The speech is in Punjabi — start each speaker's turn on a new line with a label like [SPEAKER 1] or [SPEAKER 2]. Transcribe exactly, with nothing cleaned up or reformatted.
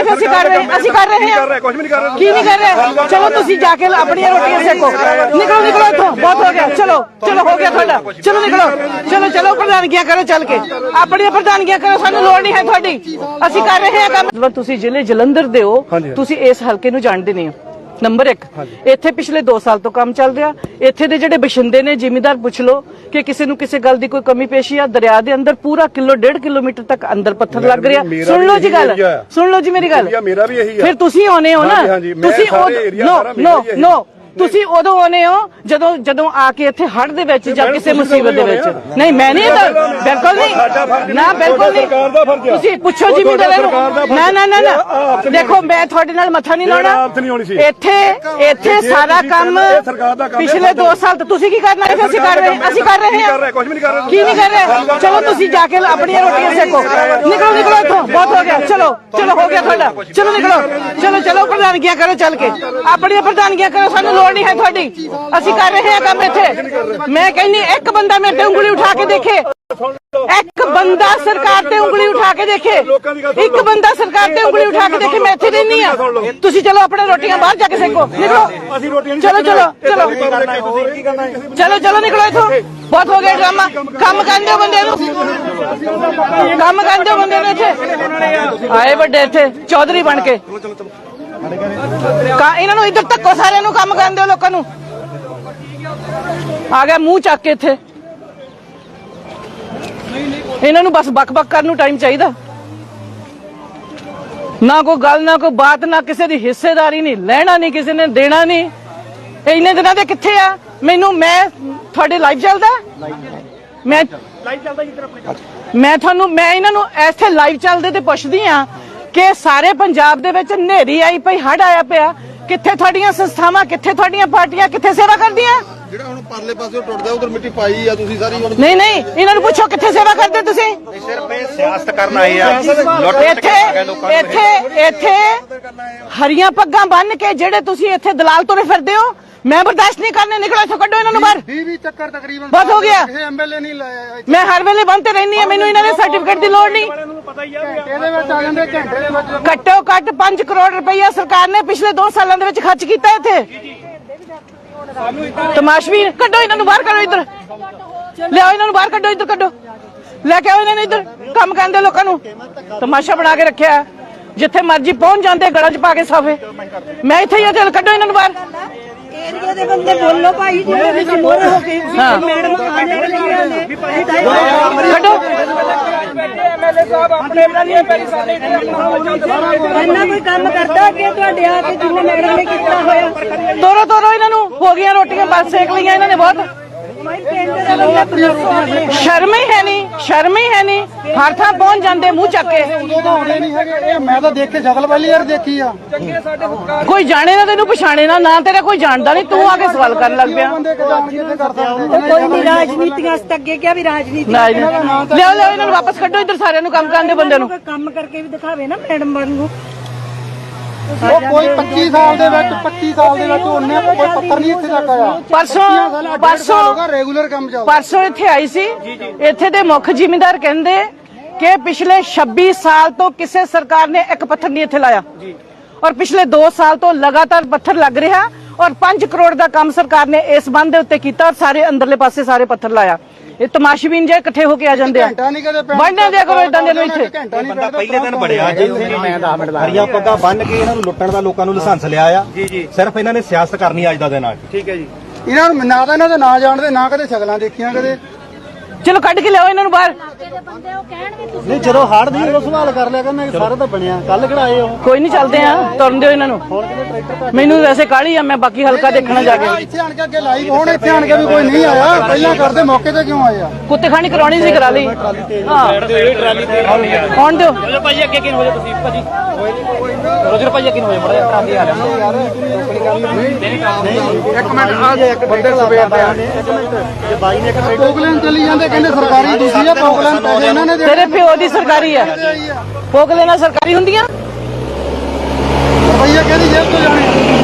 [SPEAKER 1] ਫਿਰ ਅਸੀਂ ਕਰ ਰਹੇ ਅਸੀਂ ਕਰ ਰਹੇ ਹਾਂ
[SPEAKER 2] ਕੁਝ ਵੀ ਨਹੀਂ ਕਰ ਰਹੇ
[SPEAKER 1] ਕੀ ਨਹੀਂ ਕਰ ਰਹੇ ਚਲੋ ਤੁਸੀਂ ਜਾ ਕੇ ਆਪਣੀਆਂ ਰੋਟੀਆਂ ਸੇਕੋ ਨਿਕਲੋ ਨਿਕਲੋ ਇੱਥੋਂ ਬਹੁਤ ਹੋ ਗਿਆ ਚਲੋ ਚਲੋ ਹੋ ਗਿਆ ਤੁਹਾਡਾ ਚਲੋ ਨਿਕਲੋ ਚਲੋ ਚਲੋ ਪ੍ਰਧਾਨਗੀਆਂ ਕਰੋ ਚੱਲ ਕੇ ਆਪਣੀਆਂ ਪ੍ਰਧਾਨਗੀਆਂ ਕਰੋ ਸਾਨੂੰ ਲੋੜ ਨਹੀਂ ਹੈ ਤੁਹਾਡੀ ਅਸੀਂ ਕਰ ਰਹੇ ਹਾਂ ਕੰਮ ਤੁਸੀਂ ਜ਼ਿਲ੍ਹੇ ਜਲੰਧਰ ਦੇ ਹੋ ਤੁਸੀਂ ਇਸ ਹਲਕੇ ਨੂੰ ਜਾਣਦੇ ਨਹੀਂ ਹੋ ਨੰਬਰ ਇੱਕ ਇੱਥੇ ਪਿਛਲੇ ਦੋ ਸਾਲ ਤੋਂ ਕੰਮ ਚੱਲ ਰਿਹਾ ਇੱਥੇ ਦੇ ਜਿਹੜੇ ਬਸ਼ਿੰਦੇ ਨੇ ਜ਼ਿਮੀਂਦਾਰ ਪੁੱਛ ਲਓ ਕਿ ਕਿਸੇ ਨੂੰ ਕਿਸੇ ਗੱਲ ਦੀ ਕੋਈ ਕਮੀ ਪੇਸ਼ੀ ਆ ਦਰਿਆ ਦੇ ਅੰਦਰ ਪੂਰਾ ਕਿਲੋ ਡੇਢ ਕਿਲੋਮੀਟਰ ਤੱਕ ਅੰਦਰ ਪੱਥਰ ਲੱਗ ਰਿਹਾ ਸੁਣ ਲਓ ਜੀ ਗੱਲ ਸੁਣ ਲਓ ਜੀ ਮੇਰੀ ਗੱਲ
[SPEAKER 2] ਮੇਰਾ ਵੀ ਇਹੀ ਆ
[SPEAKER 1] ਫਿਰ ਤੁਸੀਂ ਆਉਨੇ ਹੋ ਨਾ ਤੁਸੀਂ ਨੋ ਨੋ ਨੋ ਤੁਸੀਂ ਉਦੋਂ ਆਉਨੇ ਹੋ ਜਦੋਂ ਜਦੋਂ ਆ ਕੇ ਇੱਥੇ ਹੜ੍ਹ ਦੇ ਵਿੱਚ ਜਾਂ ਕਿਸੇ ਮੁਸੀਬਤ ਦੇ ਵਿੱਚ ਨਹੀਂ ਮੈਂ ਨਹੀਂ ਬਿਲਕੁਲ ਨਹੀਂ ਨਾ ਬਿਲਕੁਲ ਨਹੀਂ ਤੁਸੀਂ ਪੁੱਛੋ ਜ਼ਿਮੀਂਦਾਰਾਂ ਨੂੰ ਨਾ ਨਾ ਨਾ ਨਾ ਦੇਖੋ ਮੈਂ ਤੁਹਾਡੇ ਨਾਲ ਮੱਥਾ ਨਹੀਂ ਲਾਉਣਾ ਇੱਥੇ ਇੱਥੇ ਸਾਰਾ ਕੰਮ ਪਿਛਲੇ ਦੋ ਸਾਲ ਤੋਂ ਤੁਸੀਂ ਕੀ ਕਰਨਾ ਹੈ ਅਸੀਂ ਕਰ ਰਹੇ ਅਸੀਂ ਕਰ ਰਹੇ ਹਾਂ
[SPEAKER 2] ਕੁਝ ਵੀ ਨਹੀਂ ਕਰ ਰਹੇ
[SPEAKER 1] ਕੀ ਨਹੀਂ ਕਰ ਰਹੇ ਚਲੋ ਤੁਸੀਂ ਜਾ ਕੇ ਆਪਣੀਆਂ ਰੋਟੀਆਂ ਸੇਕੋ ਨਿਕਲੋ ਨਿਕਲੋ ਇੱਥੋਂ ਬਹੁਤ ਹੋ ਗਿਆ ਚਲੋ ਚਲੋ ਹੋ ਗਿਆ ਤੁਹਾਡਾ ਚਲੋ ਨਿਕਲੋ ਚਲੋ ਚਲੋ ਪ੍ਰਧਾਨਗੀਆਂ ਕਰੋ ਚੱਲ ਕੇ ਆਪਣੀਆਂ ਪ੍ਰਧਾਨਗੀਆਂ ਕਰੋ ਸਾਨੂੰ ਲੋੜ ਨਹੀਂ ਹੈ ਤੁਹਾਡੀ ਅਸੀਂ ਕਰ ਰਹੇ ਹਾਂ ਕੰਮ ਇੱਥੇ ਮੈਂ ਕਹਿੰਦੀ ਇੱਕ ਬੰਦਾ ਮੇਰੇ ਤੇ ਉਂਗਲੀ ਉਠਾ ਕੇ ਦੇਖੇ ਇੱਕ ਬੰਦਾ ਸਰਕਾਰ ਤੇ ਉਂਗਲੀ ਉਠਾ ਕੇ ਦੇਖੇ ਇੱਕ ਬੰਦਾ ਸਰਕਾਰ ਤੇ ਉਂਗਲੀ ਉਠਾ ਕੇ ਦੇਖੇ ਮੈਂ ਇੱਥੇ ਰਹਿੰਦੀ ਆ ਤੁਸੀਂ ਚਲੋ ਆਪਣੇ ਰੋਟੀਆਂ ਬਾਹਰ ਜਾ ਕੇ ਸੇਕੋ ਨਿਕਲੋ ਚਲੋ ਚਲੋ ਚਲੋ ਚਲੋ ਚਲੋ ਨਿਕਲੋ ਇੱਥੋਂ ਬਹੁਤ ਹੋ ਗਿਆ ਡਰਾਮਾ ਕੰਮ ਕਰਨ ਦਿਓ ਬੰਦੇ ਨੂੰ ਕੰਮ ਕਰਨ ਦਿਓ ਬੰਦੇ ਨੂੰ ਇੱਥੇ ਆਏ ਵੱਡੇ ਇੱਥੇ ਚੌਧਰੀ ਬਣ ਕੇ ਇਹਨਾਂ ਨੂੰ ਇੱਧਰ ਧੱਕੋ ਸਾਰਿਆਂ ਨੂੰ ਕੰਮ ਕਰਨ ਦਿਓ ਲੋਕਾਂ ਨੂੰ ਆ ਗਿਆ ਮੂੰਹ ਚੱਕ ਕੇ ਇੱਥੇ ਇਹਨਾਂ ਨੂੰ ਬਸ ਬਕ ਬਕ ਕਰਨ ਨੂੰ ਟਾਈਮ ਚਾਹੀਦਾ ਨਾ ਕੋਈ ਗੱਲ ਨਾ ਕੋਈ ਬਾਤ ਨਾ ਕਿਸੇ ਦੀ ਹਿੱਸੇਦਾਰੀ ਨਹੀਂ ਲੈਣਾ ਨਹੀਂ ਕਿਸੇ ਨੇ ਦੇਣਾ ਨਹੀਂ ਇੰਨੇ ਦਿਨਾਂ ਦੇ ਕਿੱਥੇ ਆ ਮੈਨੂੰ ਮੈਂ ਤੁਹਾਡੇ ਲਾਈਵ ਚੱਲਦਾ ਮੈਂ ਲਾਈਵ ਚੱਲਦਾ ਮੈਂ ਤੁਹਾਨੂੰ ਮੈਂ ਇਹਨਾਂ ਨੂੰ ਇੱਥੇ ਲਾਈਵ ਚੱਲਦੇ ਤੇ ਪੁੱਛਦੀ ਆ ਕਿ ਸਾਰੇ ਪੰਜਾਬ ਦੇ ਵਿੱਚ ਹਨੇਰੀ ਆਈ ਪਈ ਹੜ ਆਇਆ ਪਿਆ ਕਿੱਥੇ ਤੁਹਾਡੀਆਂ ਸੰਸਥਾਵਾਂ ਕਿੱਥੇ ਤੁਹਾਡੀਆਂ ਪਾਰਟੀਆਂ ਕਿੱਥੇ ਸੇਵਾ ਕਰਦੀਆਂ
[SPEAKER 3] ਜਿਹੜਾ ਹੁਣ ਪਰਲੇ ਪਾਸੇ ਟੁੱਟਦਾ ਉਧਰ ਮਿੱਟੀ ਪਾਈ ਆ ਤੁਸੀਂ ਸਾਰੀ
[SPEAKER 1] ਨਹੀਂ ਨਹੀਂ ਇਹਨਾਂ ਨੂੰ ਪੁੱਛੋ ਕਿੱਥੇ ਸੇਵਾ ਕਰਦੇ ਤੁਸੀਂ
[SPEAKER 4] ਸਿਰਫ ਇਹ ਸਿਆਸਤ ਕਰਨ ਆਏ ਆ
[SPEAKER 1] ਇੱਥੇ ਇੱਥੇ ਇੱਥੇ ਹਰੀਆਂ ਪੱਗਾਂ ਬੰਨ ਕੇ ਜਿਹੜੇ ਤੁਸੀਂ ਇੱਥੇ ਦਲਾਲ ਤੁਰੇ ਫਿਰਦੇ ਹੋ ਮੈਂ ਬਰਦਾਸ਼ਤ ਨਹੀਂ ਕਰਨੇ ਨਿਕਲੋ ਇੱਥੋਂ ਕੱਢੋ ਇਹਨਾਂ ਨੂੰ ਬਾਹਰ
[SPEAKER 3] ਵੀਹ ਚੱਕਰ ਤਕਰੀਬਨ
[SPEAKER 1] ਬਹੁਤ ਹੋ ਗਿਆ
[SPEAKER 3] ਇਹ ਐਮਐਲਏ ਨਹੀਂ ਲਾਇਆ
[SPEAKER 1] ਮੈਂ ਹਰ ਵੇਲੇ ਬੰਦ ਤੇ ਰਹਿੰਦੀ ਆ ਮੈਨੂੰ ਇਹਨਾਂ ਦੇ ਸਰਟੀਫਿਕੇਟ ਦੀ ਲੋੜ ਨਹੀਂ
[SPEAKER 3] ਇਹਦੇ ਵਿੱਚ ਆ ਜਾਂਦੇ ਘੰਟੇ ਦੇ ਵਿੱਚ
[SPEAKER 1] ਘੱਟੋ ਘੱਟ ਪੰਜ ਕਰੋੜ ਰੁਪਈਆ ਸਰਕਾਰ ਨੇ ਪਿਛਲੇ ਦੋ ਸਾਲਾਂ ਦੇ ਵਿੱਚ ਖਰਚ ਕੀਤਾ ਇੱਥੇ ਤਮਾਸ਼ਬੀ ਕੱਢੋ ਇਹਨਾਂ ਨੂੰ ਬਾਹਰ ਕੱਢੋ ਇੱਧਰ ਲਿਆਓ ਇਹਨਾਂ ਨੂੰ ਬਾਹਰ ਕੱਢੋ ਇੱਧਰ ਕੱਢੋ ਲੈ ਕੇ ਆਓ ਇਹਨਾਂ ਨੂੰ ਇੱਧਰ ਕੰਮ ਕਰਦੇ ਲੋਕਾਂ ਨੂੰ ਤਮਾਸ਼ਾ ਬਣਾ ਕੇ ਰੱਖਿਆ ਜਿੱਥੇ ਮਰਜ਼ੀ ਪਹੁੰਚ ਜਾਂਦੇ ਗਲਾਂ 'ਚ ਪਾ ਕੇ ਸਾਫੇ ਮੈਂ ਇੱਥੇ ਹੀ ਆ ਚੱਲ ਕੱਢੋ ਇਹਨਾਂ ਨੂੰ ਬਾਹਰ
[SPEAKER 5] ਏਰੀਆ ਦੇ ਬੰਦੇ ਬੋਲੋ ਭਾਈ ਜਿਹਦੇ ਵਿੱਚ ਮੋਹਰੇ ਹੋ ਕੇ ਮੈਡਮ ਆਣੇ ਵਾਲੀਆਂ ਨੇ
[SPEAKER 1] ਕੱਢੋ
[SPEAKER 5] ਐਮਐਲਏ ਸਾਹਿਬ ਆਪਣੇ ਬਣਾਈਏ ਪਹਿਲੀ ਸਾਡੇ ਇੰਨਾ ਕੋਈ ਕੰਮ ਕਰਦਾ ਕਿ ਤੁਹਾਡੇ ਆ ਕੇ ਜਿੰਨੇ ਮੈਡਮ ਨੇ ਕੀਤਾ ਹੋਇਆ
[SPEAKER 1] ਤੋਰੋ ਤੋਰੋ ਇਹਨਾਂ ਨੂੰ ਹੋ ਗਈਆਂ ਰੋਟੀਆਂ ਬਸ ਸੇਕ ਲਈਆਂ ਇਹਨਾਂ ਨੇ ਬਹੁਤ ਸ਼ਰਮ ਹੀ ਹੈ ਨਹੀਂ ਸ਼ਰਮ ਹੀ ਹੈ ਨਹੀਂ ਹਰ ਥਾਂ ਪਹੁੰਚ ਜਾਂਦੇ ਮੂੰਹ ਚੱਕ ਕੇ
[SPEAKER 3] ਉਦੋਂ ਤਾਂ ਆਉਣੇ ਨਹੀਂ ਹੈਗੇ ਇਹ ਮੈਂ ਤਾਂ ਦੇਖ ਕੇ ਸ਼ਕਲ ਪਹਿਲੀ ਵਾਰ ਦੇਖੀ ਆ
[SPEAKER 1] ਕੋਈ ਜਾਣੇ ਨਾ ਤੈਨੂੰ ਪਛਾਣੇ ਨਾ ਨਾ ਤੇਰਾ ਕੋਈ ਜਾਣਦਾ ਨਹੀਂ ਤੂੰ ਆ ਕੇ ਸਵਾਲ ਕਰਨ ਲੱਗ ਪਿਆ
[SPEAKER 5] ਕੋਈ ਨਹੀਂ ਰਾਜਨੀਤੀਆਂ ਤੱਕ ਅੱਗੇ ਕਿਹਾ ਵੀ ਰਾਜਨੀਤੀ
[SPEAKER 1] ਲਿਆਓ ਲਿਆਓ ਇਹਨਾਂ ਨੂੰ ਵਾਪਸ ਕੱਢੋ ਇੱਧਰ ਸਾਰਿਆਂ ਨੂੰ ਕੰਮ ਕਰਨ ਦੇ ਬੰਦੇ ਨੂੰ
[SPEAKER 5] ਕੰਮ ਕਰਕੇ ਵੀ ਦਿਖਾਵੇ ਨਾ ਮੈਡਮ ਬਣ ਨੂੰ
[SPEAKER 3] ਉਹ ਕੋਈ ਪੱਚੀ ਸਾਲ ਦੇ ਵਿੱਚ ਪੱਚੀ ਸਾਲ ਦੇ ਵਿੱਚ ਉਹਨੇ ਕੋਈ ਪੱਤਰ ਨਹੀਂ ਇੱਥੇ ਤੱਕ ਆਇਆ
[SPEAKER 1] ਪਰਸੋਂ ਪਰਸੋਂ
[SPEAKER 3] ਰੈਗੂਲਰ ਕੰਮ ਚੱਲਦਾ
[SPEAKER 1] ਪਰਸੋਂ ਇੱਥੇ ਆਈ ਸੀ ਇੱਥੇ ਦੇ ਮੁੱਖ ਜ਼ਿਮੀਂਦਾਰ ਕਹਿੰਦੇ ਕਿ ਪਿਛਲੇ ਛੱਬੀ ਸਾਲ ਤੋਂ ਕਿਸੇ ਸਰਕਾਰ ਨੇ ਇੱਕ ਪੱਥਰ ਨਹੀਂ ਇੱਥੇ ਲਾਇਆ ਔਰ ਪਿਛਲੇ ਦੋ ਸਾਲ ਤੋਂ ਲਗਾਤਾਰ ਪੱਥਰ ਲੱਗ ਰਿਹਾ ਔਰ ਪੰਜ ਕਰੋੜ ਦਾ ਕੰਮ ਸਰਕਾਰ ਨੇ ਇਸ ਬੰਦ ਦੇ ਉੱਤੇ ਕੀਤਾ ਔਰ ਸਾਰੇ ਅੰਦਰਲੇ ਪਾਸੇ ਸਾਰੇ ਪੱਥਰ ਲਾਇਆ ਇਹ ਤਮਾਸ਼ਬੀਨ ਜੇ ਇਕੱਠੇ ਹੋ ਕੇ ਆ ਜਾਂਦੇ ਆ ਬਣਨੇ ਦਿਆ ਕਰੋ ਇਦਾਂ ਦੇ ਨੂੰ ਇੱਥੇ
[SPEAKER 4] ਬੰਦਾ ਪਹਿਲੇ ਦਿਨ ਬੜਿਆ ਜੀ ਹਰੀਆਂ ਪੱਗਾਂ ਬੰਨ ਕੇ ਇਹਨਾਂ ਨੂੰ ਲੁੱਟਣ ਦਾ ਲੋਕਾਂ ਨੂੰ ਲਾਇਸੈਂਸ ਲਿਆ ਆ ਸਿਰਫ ਇਹਨਾਂ ਨੇ ਸਿਆਸਤ ਕਰਨੀ ਅੱਜ ਦਾ ਦਿਨ ਆ ਠੀਕ ਹੈ ਜੀ
[SPEAKER 3] ਇਹਨਾਂ ਨੂੰ ਨਾ ਤਾਂ ਇਹਨਾਂ ਦੇ ਨਾਂ ਜਾਣਦੇ ਨਾ ਕਦੇ ਸ਼ਕਲਾਂ ਦੇਖੀਆਂ ਕਦੇ
[SPEAKER 1] ਚਲੋ ਕੱਢ ਕੇ ਲਿਆਓ ਇਹਨਾਂ ਨੂੰ ਬਾਹਰ
[SPEAKER 3] ਨਹੀਂ ਜਦੋਂ ਹੜ ਦੀ ਉਦੋਂ ਸਵਾਲ ਕਰ ਲਿਆ ਕਰਨਾ ਸਾਰੇ ਤਾਂ ਬਣਿਆ ਕੱਲ ਕਿਹੜਾ ਆਏ ਉਹ
[SPEAKER 1] ਕੋਈ ਨਹੀਂ ਚੱਲਦੇ ਆ ਤੁਰਨ ਦਿਓ ਇਹਨਾਂ ਨੂੰ ਮੈਨੂੰ ਵੈਸੇ ਕਾਹਲੀ ਆ ਮੈਂ ਬਾਕੀ ਹਲਕਾ ਦੇਖਣਾ ਜਾ ਕੇ
[SPEAKER 3] ਇੱਥੇ ਆਣ ਕੇ ਅੱਗੇ ਲਾਈਵ ਹੋਣ ਇੱਥੇ ਆਣ ਕੇ ਵੀ ਕੋਈ ਨਹੀਂ ਆਇਆ ਪਹਿਲਾਂ ਕਰਦੇ ਮੌਕੇ ਤੇ ਕਿਉਂ ਆਏ ਆ
[SPEAKER 1] ਕੁੱਤੇ ਖਾਣੀ ਕਰਾਉਣੀ ਸੀ ਕਰਾ ਲਈ ਹਾਂ ਆਉਣ ਦਿਓ
[SPEAKER 6] ਚਲੋ ਭਾਜੀ ਅੱਗੇ ਕਿਨ ਹੋ ਜਾ ਤੁਸੀਂ ਭਾਜੀ ਰੋਜਰ ਭਾਜੀ ਅੱਗੇ ਹੋ ਜਾ ਬੜਾ ਟਰਾਲੀ ਆ
[SPEAKER 3] ਇੱਕ ਮਿੰਟ ਆ ਜੇ ਇੱਕ ਬੰਦੇ ਸਵੇਰ ਦੇ ਆਨੇ ਇੱਕ ਮਿੰਟ ਜੇ ਬਾਈ ਨੇ ਇੱਕ ਪੋਗਲੈਂਡ ਚਲੀ ਜਾਂਦੇ ਕਹਿੰਦੇ ਸਰਕਾਰੀ ਦੂਜੀ ਆ ਪੋਗਲੈਂਡ ਪੈਸੇ ਇਹਨਾਂ ਨੇ
[SPEAKER 1] ਤੇਰੇ ਪਿਓ ਦੀ ਸਰਕਾਰੀ ਆ ਪੋਗਲੈਂਡ ਸਰਕਾਰੀ ਹੁੰਦੀਆਂ
[SPEAKER 3] ਰੁਪਈਆ ਕਿਹਦੀ ਜੇਬ ਤੋਂ ਜਾਣੇ